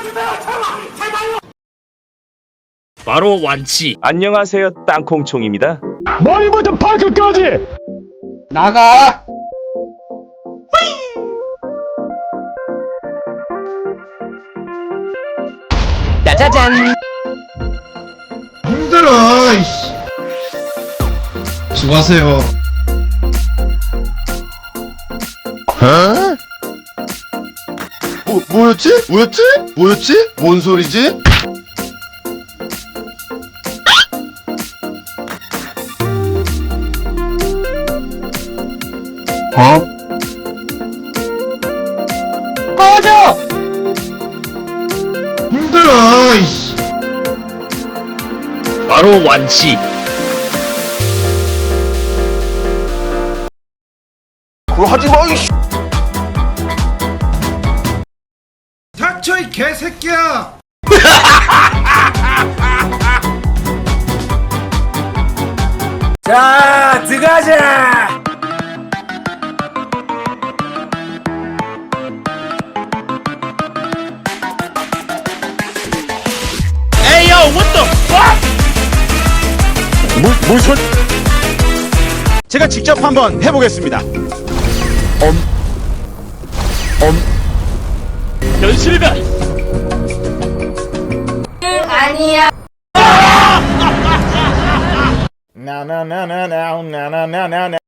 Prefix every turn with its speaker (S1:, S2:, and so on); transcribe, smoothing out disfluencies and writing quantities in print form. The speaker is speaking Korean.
S1: 바로 완치.
S2: 안녕하세요, 땅콩총입니다.
S3: 머리부터 발끝까지
S4: 나가! 짜자잔!
S5: 힘들어. 이씨. 수고하세요. 뭐였지? 뭔 소리지?
S4: 꺼져!
S5: 힘들어. 이씨.
S1: 바로 완치.
S5: 그거 하지 마. 이씨.
S6: 닥쳐 이 개새끼야!
S1: 자, 들어가자. 에이, yo, what the fuck?
S3: 무슨 제가 직접 한번 해보겠습니다.
S1: 연실가.
S7: 아니야.
S3: 나나나나나나나나나